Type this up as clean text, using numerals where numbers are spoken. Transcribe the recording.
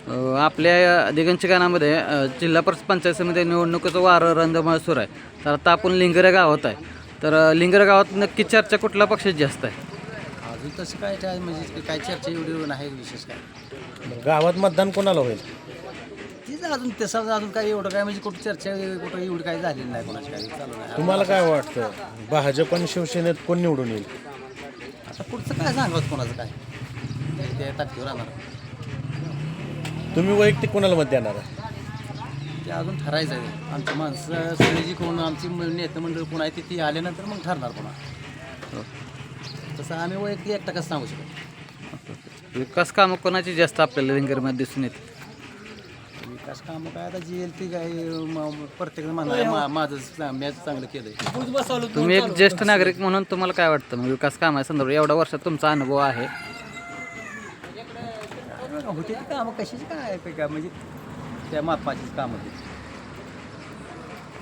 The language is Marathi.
आपल्या दिगंजकानामध्ये जिल्हा परिषद पंचायत समिती निवडणुकीचं वारं रंधमाळ सुरू आहे. तर आता आपण लिंगरे गावात आहे. तर लिंगरे गावात नक्की चर्चा कुठल्या पक्षाची जास्त आहे? अजून तसं काय म्हणजे काय चर्चा एवढी नाही विशेष काय. गावात मतदान कोणाला होईल? तिथं अजून तसं अजून काय एवढं काय म्हणजे कुठं चर्चा कुठं एवढी काही झालेली नाही कोणाची काही चालू नाही. तुम्हाला काय वाटतं भाजप आणि शिवसेनेत कोण निवडून येईल? आता पुढचं काय सांगत कोणाचं काय ते ताकदीवर राहणार. तुम्ही वैयक्तिक कोणाला मत देणार आहे? ते अजून ठरायचं आहे. आमची माणसं सगळी जी कोण आमची नेते मंडळ कोण आहे ती आल्यानंतर मग ठरणार कोणा. तसं आम्ही वैयक्तिक एकटा कसं सांगू शकतो. विकास कामं कोणाची जास्त आपल्याला लिंगरमध्ये दिसून येते? विकास कामं काय आता जी येईल ती काय प्रत्येक म्हणणार माझं मॅच चांगलं केलं. तुम्ही एक ज्येष्ठ नागरिक म्हणून तुम्हाला काय वाटतं मग विकास कामासंदर्भात एवढ्या वर्षात तुमचा अनुभव आहे? होते ती कामं कशाची काय म्हणजे त्या मापाचीच कामं होती.